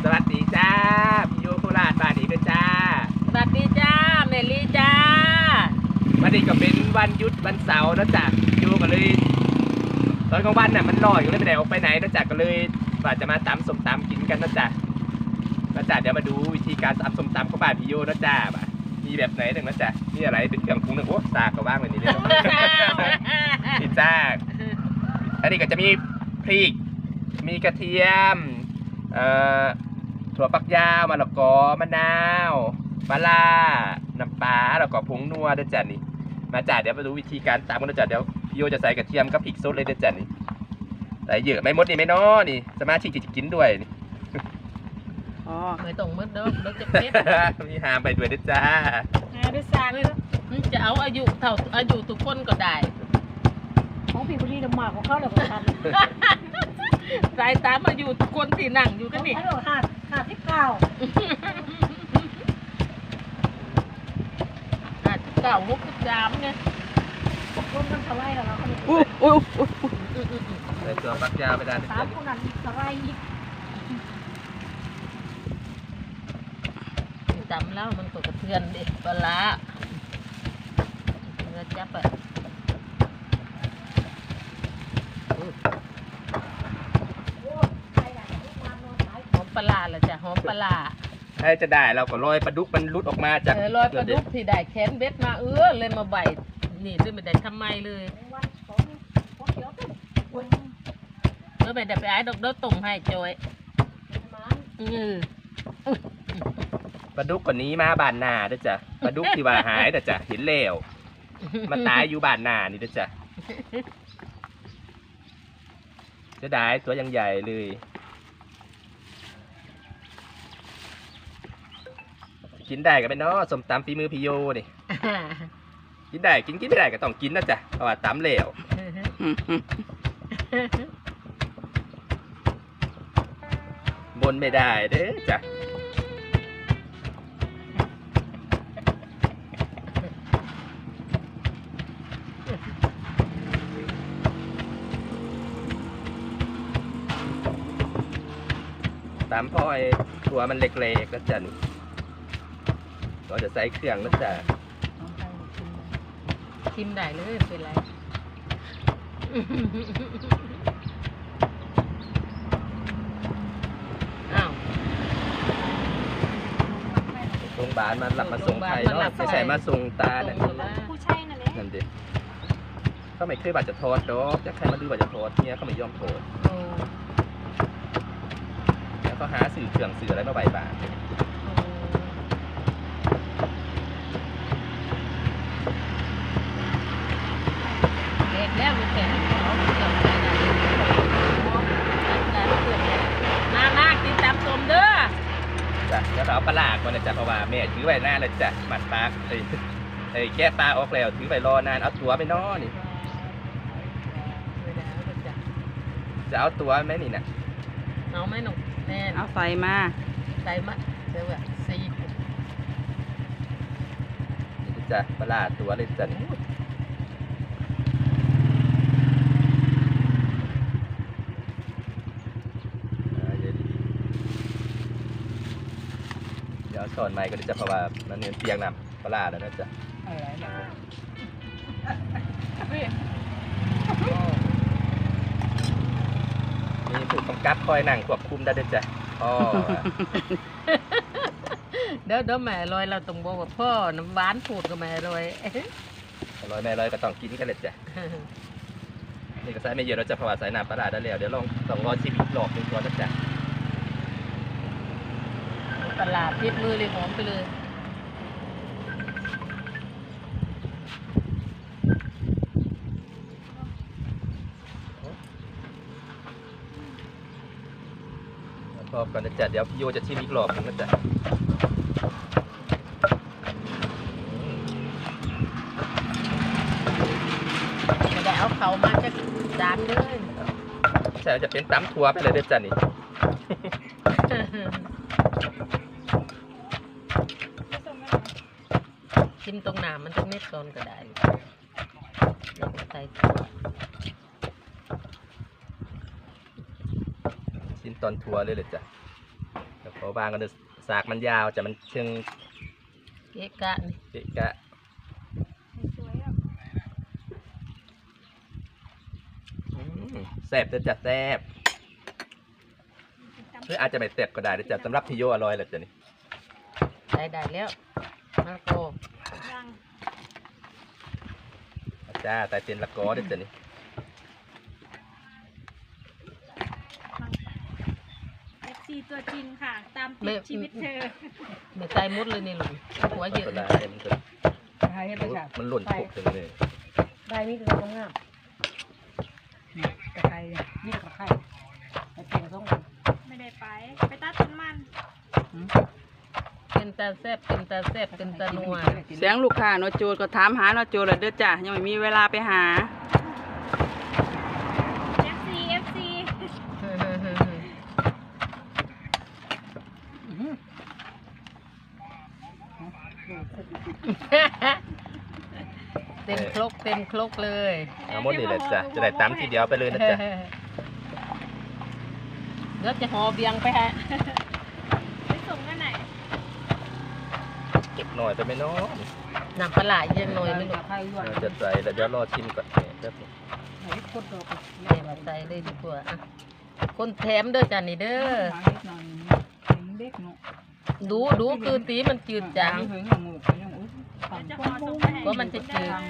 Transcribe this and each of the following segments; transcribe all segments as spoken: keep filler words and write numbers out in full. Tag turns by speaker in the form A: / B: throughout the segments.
A: สวัสดีจ้าพี่โยโคราชบ้านนี้ด้วยจ้า
B: สวัสดีจ้าเมลี่จ้า
A: วันนี้ก็เป็นวันหยุดวันเสาร์นะจ๊ะโยก็เลยตอนกลางวันน่ะมันลอยก็เลยไม่ได้ออกไปไหนนะจ๊ะก็เลยว่าจะมาตำส้มตำกินกันนะจ๊ะนะจ๊ะเดี๋ยวมาดูวิธีการตำส้มตำของบ้านพี่โยนะจ๊ะมีแบบไหนหนึ่งนะจ๊ะมีอะไรเป็นเครื่องปรุงหนึ่งโอ้ซากก็ว่างเลยนี่เลยนี่จ้าอันนี้ก็จะมีพริกมีกระเทียมเอ่อถั่วฝักยาวมะละกอมะนาวปลาร้าน้ำปลาแล้วก็ผงนัวด้วยจ้ะนี่มาจ้ะเดี๋ยวมาดูวิธีการตำกันนะจ๊ะเดี๋ยวพี่โยจะใส่กระเทียมกับพริกสดเลยด้วยจ้ะนี่ใส่เยอะไม่หมดนี่ไม่น้อนี่สมาชิกจะกินด้วยนี่
B: อ๋อไม่ต้องมืดเด้อเด้อจะเพ็ด
A: มีหามไปด้วยด้วยจ้า
B: หาด้วยซากเลยจะเอาอายุเท่าอายุทุกคนก็ได้
C: ของพี่บุรีน้ำหมากของเขาเลยของฉัน
B: สายตามอายุทุกคนที่นั่งอยู่กันนี่
C: ฮัลโหลห้าห้าสิบเก้า
B: ห้าสิบเก้าหกสิบสามไง
C: รวมกันเท่าไรแล้วเราคนนี้
B: อุ้ยอุ้ยอุ้ย
A: ใส่ตัวฝักยาวไปได้
C: สามคนนั้นเท่าไรอีก
B: จำแล้วมันก็กระเทือนดิปลาเราจับไปหอมปลาเหรอจ้ะหอมปลา
A: ถ้าจะได้เราก็ลอยปลาดุกมันรุดออกมาจาก
B: ลอยปลาดุกที่ได้แขนเบ็ดมาเออเลยมาใบนี่ด้วยไม่ได้ทำไมเลยเออไม่ได้ไปไอ้ดอกเด้อตุ่มให้จอยอือ
A: ปลาดุกกว่านี้มาบานนาเด้อจ้ะปลาดุกที่ว่าหายเด้อจ้ะเห็นแล้วมาตายอยู่บานนานี่เด้อจ้ะจะได้ตัวยังใหญ่เลยกินได้กันไหมเนาะสมตำฝีมือพี่โยนี่กินได้กินกินไม่ได้ก็ต้องกินนะจ๊ะเพราะว่าตำเหลวบนไม่ได้เด้อจ้ะตามพ่อไอ้ตัวมันเล็กๆแล้วจ้ะนี่เราจะใส่เครื่องแล้วจ้ะ
B: ชิมได้เลยเป็นไรอ้าว
A: โรงพยาบาลมาหลับมาส่งใครเนาะไม่ใช่มาส่งตาเนี่ย
C: ผู้ใช่นั่นแหละ
A: นั่นดิเขาไม่เคยบาดจะโทษดอกจะใครมาดูบาดจะโทษเนี่ยเขาไม่ยอมโทษแล้วก็หาสื่อเครื่องสื่ออะไรมาใบบาน
B: แล้วมีแข่งเขาเกี่ยวกับน้าน้ากินตามส้มเด้อ
A: จ้ะแล้วเราเอาปลาก่อนนะจ๊ะเพราะว่าแม่ถือไว้หน้าเลยจ้ะหมัดปลาไอ้ไอ้แก้ปลาออกแล้วถือไว้รอนานเอาตัวไปนอนี่จะเอาตัวไหมนี่นะ
B: เอาไหมหนุ่มแน่
D: เอาใส่มา
B: ใส่มาเดี๋ยวแบบซี
A: นี่จ้ะปลาตัวเลยจ้ะเดี๋ยวสอนใหม่ก็จะเพราะว่ามันเงินเตียงนำปลาแล้วนะจ๊ะมีผู้กำกับคอยนั่งควบคุมได้ด้วยจ้ะพ่อ
B: เดี๋ยวเดี๋ยวแม่ลอยเราต้องบอกว่าพ่อน้ำหวานพูดกับแม่ลอย
A: ลอยแม่ลอยก็ต้องกินกันเลยจ้ะนี่ก็ใส่ไม่เยอะเราจะเพราะว่าใส่น้ำปลาได้แล้วเดี๋ยวลองต้องรอชิมอีกรอบหนึ่งก่อนนะจ๊ะ
B: ปลาพิษมือเลยหอมไปเลย
A: รอบก่อนนะจ๊ะเดี๋ยวพี่โยจะชิมอีกรอบนึงนะจ๊ะ
B: ไม่ได้เอาเขามาจะจานเลย
A: ใช่จะเป็นตำถั่วไปเลยเด้อจ้ะนี่
B: ชิมตรงหน้ามันจะเม็ดก่อนก็ได้ใส่ถั่ว
A: ชิ้นตอนทัวเลยเลยจ้ะเพราะบางก็เลยสากมันยาวจะมันเชิง
B: เกะกะนี่
A: เกะกะ
C: สวยๆอ่ะ
A: อืมแซ่บจะจัดแซ่บหรืออาจจะไม่แซ่บก็ได้เดี๋ยวจะสำหรับพี่โยอร่อยแหละจ้ะนี่
B: ได้ได้แล้วมาโก
C: ยัง
A: จ้าแต่เตียนละกอเดี๋ยวจ้ะนี่
C: เอฟซีตัวจริงค่ะ ตามติดชีวิตเธอ
B: ไม่ใจมุดเลยนี่ลุงหัวเยอะ
A: ก็
B: เล
A: ได้
B: ย
A: มันจะ
D: ใช้ให้ไปจ้ะ
A: มันหล่นปุกถึงเลย
D: ได้นี่คือต้องงามนี่ตะไคร้เนี่ยนี่ตะไคร้ตะแกงส้ม
C: ไม่ได้ไป ไปตัดต้นมัน
B: เป็นตาแซ่บเป็นตาแซ่บเป็นตานัว
E: เสียงลูกค้าเนาะโจรก็ถามหาเนาะโจรแล้วเด้อจ้ะยังไม่มีเวลาไปหา
C: เอฟซีเอฟซี
B: เต็มครกเต็มครกเลย
A: เอาหมดนี่แหละจ้ะจะได้ตำทีเดียวไปเลยนะจ๊ะ
B: เดี๋ยวจะห่อเบียงไปฮะ
C: ไปส่งกันไหน
A: เก็บหน่อยไปไหมเนาะ
B: น้ำปลาไหลยังหน่อยไม่รู้
D: ตะไคร้ด้วย
A: เราจะใส่แล้วเดี๋ยวรอชิมก่อนเนี่ยแป๊บนึง
D: ไหนกดดอก
B: แม่มาใส่เลยดีกว่าอ่ะคนแถมเด้อจ้ะนี่เด้อ
D: หาเล็กหน่อยเด็กเนาะ
B: ดูดูคือตีมันจืดจาง
D: ถึงอย่างหมูกอย่างอุ้ย
C: เดี๋ยวจะห่อส่งไปให้
B: ก็มันจะจืด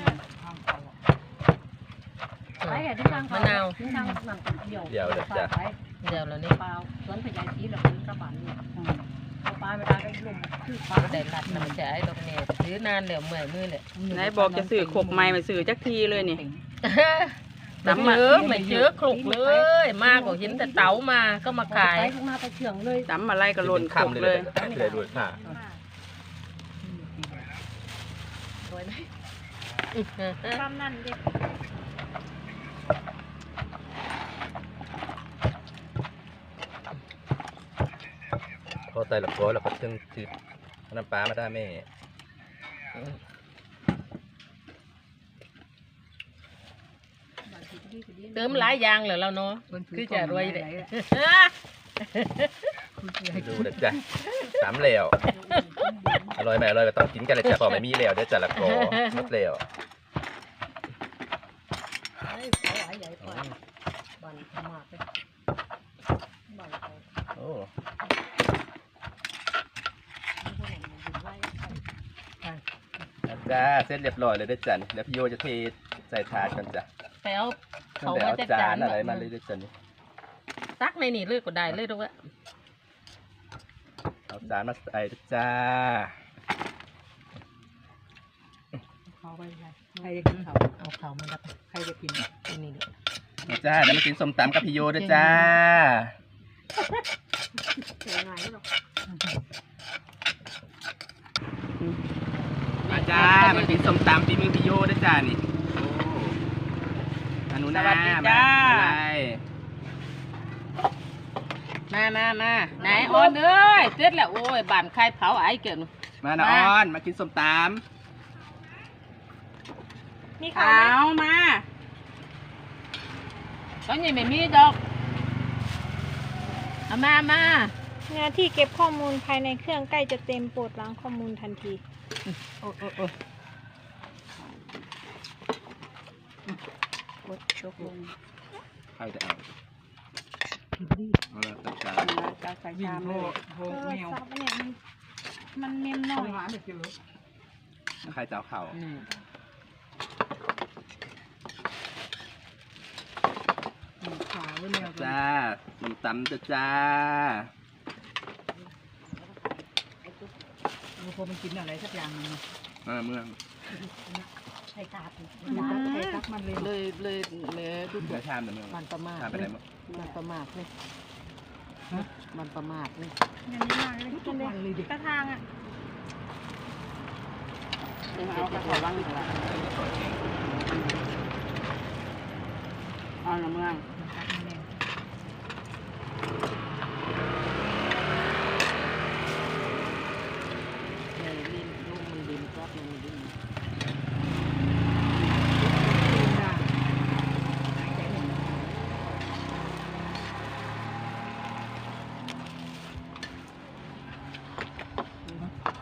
D: ไปแค่ที่ทาง
B: มะนาว
D: ที่ทางนั่งเดี่ยว
A: เดี๋ยวเดี๋ยวจ้ะ
D: ไป
B: เดี๋ยวแล้วนี่
D: เปล่าสวนพญายศรีหรือเป็นกระบาดเนี่ยเอาปลาไม่ได้ก็ลมคือปลา
B: ก็ได้รัดนะมันจะไอ้ดอกเนี่ยซื้อนานแล้วเมื่อยมือเลย
E: ไหนบอกจะซื้อขกใหม่มาซื้อจักทีเลยนี่
B: ตำมาเออไม่เจอคลุกเลย มาก็เห็นแต่เต๋ามาก็มาขาย
D: ไปข้างหน้าไปเฉียงเลย
E: ตำอะไรก็หล่นขก
A: คำ
E: เลย
A: จะได้ด้วยค่ะ
D: สวยไหม
C: ความนั่นเด็ก
A: พอใส่ละกอแล้วก็เชิงจืดน้ำปลามาได้แม่
B: เติมหลายอย่างเหรอเราเนาะคือจะรวยเลย
A: ดูนะจ๊ะสามแล้วอร่อยไหมอร่อยก็ต้องกินกันเลยจ้ะพอไม่มีแล้วเดี๋ยวจะละกอหมดแล้ว
D: ไอ้สายใหญ่กว่าบ้านขมาดเลยบ้านเขา
A: โอ้ จ้าเสร็จเรียบร้อยเลยเด้อจ้ะนี่แล้วพี่โยจะเทใส่ถาดกันจ้ะ
B: ไปเอา
A: ตั้
B: เขา
A: งแต่
B: มา
A: เอา
B: จัด
A: จา
B: จาน น
A: อะไรมาเลยเด้อจ้ะนี่
B: ตักในนี่เลยก็ได้เลยด้วย
A: เอาจานมาใส่เด้อจ้า
D: เขาไปใครจะกินเขา
B: เอาเขามาดับ
D: ใครจะกิน
B: ที่นี่เลย
A: เอาจ้าเดี๋ยวมากินส้มตำกับพี่โยเด้อจ้า
D: เสียงายหรอก
A: มาจ้ามากินส้มตำฝีมือพี่โยเด้อจ้านี่โอ้อนุนา
E: สวัสดีจ้า
A: มาอะไร
B: มามามาไหนออนเอ้ยเสร็จแล้วโอ้ยบ้านใครเผาไอ้เกิน
A: มานะออนมากินส้มต
C: มี
E: เอา
C: ข่าวไหม
E: มา
B: ตอนนี้ไม่มีดอกเอามามา
C: หน้าที่เก็บข้อมูลภายในเครื่องใกล้จะเต็มโปรดล้างข้อมูลทันที
B: โอ้โอ้โอ้
D: กดยกลง
A: ำใครจะเอาเอาละจัดจาน
E: จะใส่
D: วิ่ง
E: ชาม
D: โล
E: เลย
D: ดโห
C: โทร
D: แมว
C: ศัพท์เนี่ยมันมันเมมหน่
D: เขา
C: อย
D: หาไม่เจอ
A: ใครจะเอาเข่า
B: อืม
D: ขาไว้แมว
A: จ้าส้มตำจ้าจ้า
D: พอมันกินอะไรสักอย่างนึง
A: มาเมือง
D: ใช้ตาใช้ตักมันเลย
B: เลยเลยเลยดู
A: เดี๋ยวชามเดี๋ยวเมือง
B: มันประมาท
A: ชามไปไหนมั้ง
B: มันประมาทเลยมันประมาทเลย
C: อย่างนี้มากเลยกินเลย
D: มันเลยดิ
C: กระทางอ่ะ
E: เอากระถางว่างอยู่ละเอาละเมือง
B: เลยลิ้นลูกมันลิ้นจับมันลิ้น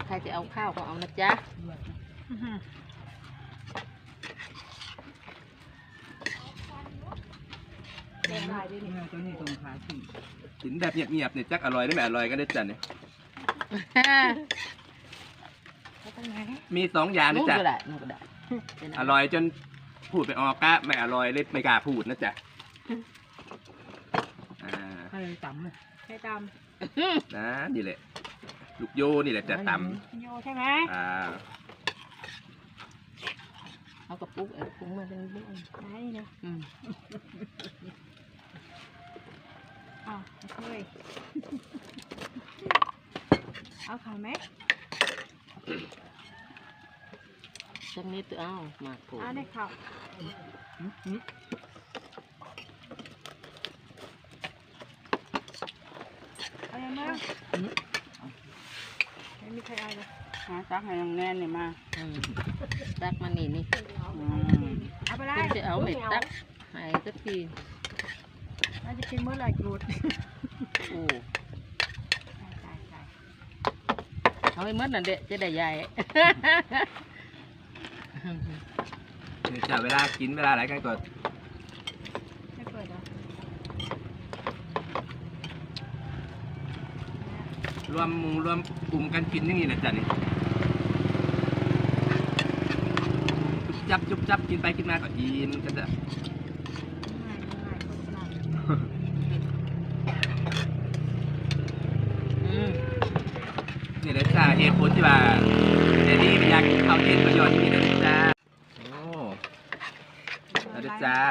B: ใครจะเอาข้าวก็เอานะจ๊ะ
C: อื้อหือ
D: แกงได้ด้วยนี่เจ้านี่ตรงขาขึ้น
A: กินแบบเงียบๆเนี่ยจักอร่อยได้ไหมอร่อยกันได้อจ้ะเนี่ย
C: เอาตรงไหน
A: มีสองอย่าง
B: นู่
A: นะ
B: น
A: จ๊ะ
B: ก็ได้นู่นก็ได้
A: อร่อยจนพูดไปออกก็ไม่อร่อยเลยไม่กล้าพูดนะจ๊ะอ่า
D: ให้เลยต่ำเลย
C: ใช้ต
A: นะนี่แหละลูกโยนี่แหละจะต
C: ำโยใช่ไหม
A: ำอ่า
B: เอากระปุกเอาปุกมาเป็นบุ้ง
C: ไหนเนาะ
B: อืม
C: อ้าวเฮ้ยเอาขาวไหม
B: สักนิดตัวเอาหมากโผล่
C: เอาได้ขาวเอายังไงไม่มีใครเอาเลย
E: หาตักให้น้องแน่นนี่มา
B: อืมตักมานี่นี่
E: อืม
C: เอาไปเล
B: คุ
C: ย
B: ณจะเอาเม็ดตักให้สักที
C: เราจะกินเมื่อไหร่กรูด
B: โอ้
C: ตายตายตาย
B: เอาให้หมดนั่นเด็จะได้ใหญ่
A: เนี่ยจ้ะเวลากินเวลาอะไรกันก็
C: ไม่เปิดเหรอ
A: รวมหมุงรวมกลุ่มกันกินอย่างนี้แหละจ้ะนี่จุบจับจุบจับกินไปกินมาก็กินกันจ้ะ
C: ง่ายง่ายโคตรง่าย
B: อืม
A: นี่แหละจ้ะเหตุผลที่ว่าเดลี่อยากกินข้าวเย็นประโยชน์ที่นี่นะจ้ะโอ้แล้วเด้อจ้า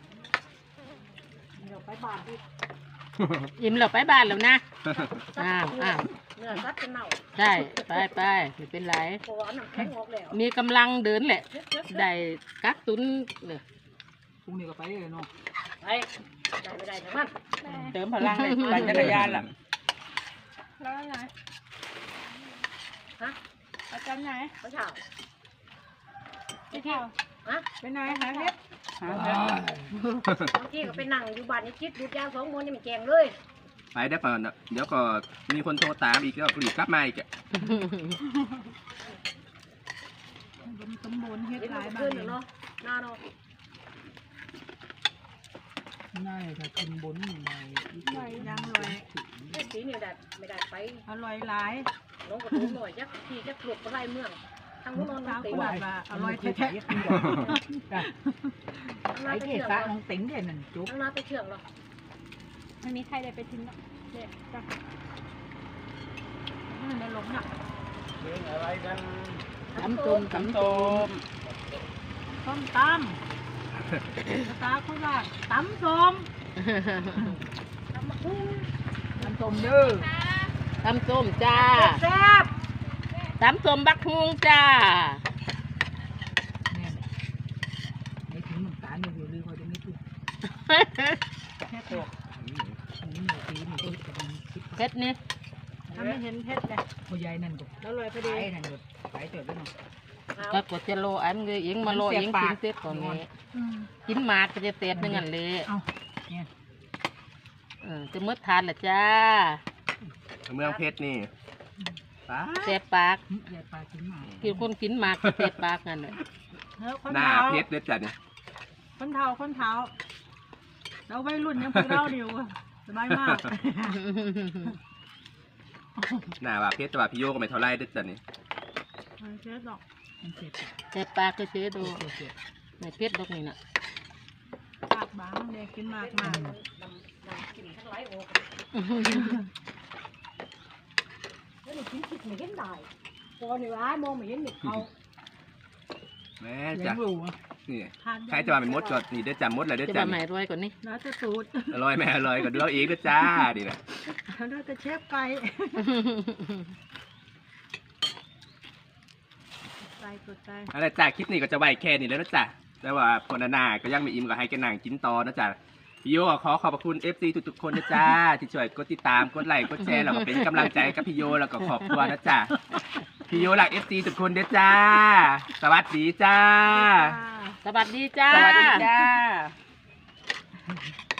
C: เดี๋ยวไปบาทดิ
B: อิ่มเราไปบ้านแล้วนะอ้าวอ้าว
D: เนื้อซัดเป็นเน่า
B: ใช่ไปไปไม่เป็นไร
D: เพราะว่าน้ำแข็งออกแล้ว
B: มีกำลังเดินแหละ ได้กักตุนเนี่ย
D: พรุ่งนี้ก็ไปเลยเนาะไปได้ไม่ได้ทั้งมัน
E: เติมพลังเลยปั่นจักรยานล่ะ
C: แล้วไหน
D: ฮะ
C: ประจำไหน
D: เมื่อเช้า
C: ที่เที่ยว
D: ฮะ
C: เป็นไหนหาเพชร
E: หาเงิน
D: บางทีก็ไปนั่งอยู่บ้านนี่คิดดูดยาสองมวนนี่มันแกงเลย
A: ไปได้ป่ะเนอะเดี๋ยวก็มีคนโทรตามอีกแล้วรีบกลับมาอีกอะ
C: บนสมบูรณ์เฮ็ด
D: เดี๋ยว
C: ห
D: มั
C: ลาย
D: น
C: บา
D: ขึ้
C: ท
D: นเนาะหน้าเนาะ
E: น่าจะขึ้นบนใน
C: อร่อยยังอร่อย
D: ไอ้สีนี่ได้ไม่ได้ไป
C: อร่อยหลาย
D: น้องกระตุ้นหน่อยจักทีจักหลบไปไล่เมืองทางนู้นนอน
C: สาว
D: ตี
C: กู
D: ว่า
C: บาอร่อยแท้
D: ทาง
E: ไอ้
D: น้าไป
E: เก
D: เชื่อง
E: ศะ
D: เหร
E: น้
D: อ
E: องติ๋งเด่นนั่นจุ๊บ
D: ทางน้าไปเชื่องเหรอ
C: ๆไม่มีใครได้ไปทิ้งหรอกเด็ดจ้ะมันในหลงอ่ะ
B: ตำต้มตำต้ม
C: ส้มตำภาษาโคราชตำส้ม
D: ทำมาคุ้ง
E: น้ำส้มเด้อ
B: ตำส้มจ้า
D: แซ่บ
B: ตำส้มบักฮุงจ้า
E: แน่ไอ้ถึงน้ำตาลอยู่ลือเขาจะไม่ถูก
C: แค่ตัว
E: นี่หนูตีนี่คิดกันคิด
B: เพชรนี่
C: ทำไม่เห็นเพชรเลย
E: ผู้ใหญ่นั่นก็
C: แล้วอร่อยพอ
E: ไป
C: ดี
E: นั่นก็ไปเติบด้วยเนาะ
B: ก็กดจะโลอันเลยเองมาโลเองกินเสร็จก่อนนี้
C: อืม
B: กินหมากก็จะเสร็จนึงอันเลย
E: เอาเนี่ย
B: เออจะมืดทานละจ้า
A: เมืองเพชรนี่ป้า
B: เสร็จปาก
E: ยายปลากินหมา
B: กินคนกินหมากก็เสร็จปากนั่นแหละ
C: เฮ้ยคน
A: หน้า
C: เท้า
A: เพชรเด้อจ้ะนี่
C: คนเท้าคนเท้าเราวัยรุ่นยังพวกเราเดียวอะสบายมาก
A: หน้าว่าเพชรแต่ว่าพี่โยก็ไม่เท่าไรเด้อจ้ะนี่
C: ไม่เชื่อหรอก
E: มันเจ็บ
B: เสร็จปากก็เชื้อดู
E: เจ็บเจ็บ
B: ในเพชรดอกนี่น่ะ
C: ปากบางเด็กกินมากมาก
D: น้ำน้ำกินทั้งหลายโอ้แล้วนี่กินคิดไม่เห็นได้พอนี่ร้ายมองไม่เห็นนี่เขา
A: แม่
E: เลี้ย
A: จ้ะ
E: งลูกอ่ะ
A: นี่
C: ทาน
A: ใครจะว่าเป็นมดก็นี่เด้อจ้ะมดเลยเด้อ
B: จะ
A: จ้ะ
B: มาใหม่
A: นี่
B: รวยกว่านี้
C: แล้วจะสูตร
A: อร่อยแม่อร่อยก็ดูเอาเองเด้อจ้าดีนะ
C: แล้วจะเชฟไก่ไก่กดใจ
A: อะไรจ้าคลิปนี้ก็จะไว้แค่นี้แล้วนะจ้ะแต่ว่าพอนานาก็ยังไม่อิ่มก็ให้แกนั่งกินต่อนะจ้ะพี่โยก็ขอขอบพระคุณ เอฟ ซี ทุกๆคนนะจ้าที่ช่วยกดติดตามกดไลค์กดแชร์แล้วก็เป็นกำลังใจกับพี่โยแล้วก็ขอบคุณนะจ้ะพี่โยหลัก เอฟ ซี ทุกคนเด้อจ้า สวัสดีจ้า
B: สวัสดีจ้า
E: สวัสดีจ้า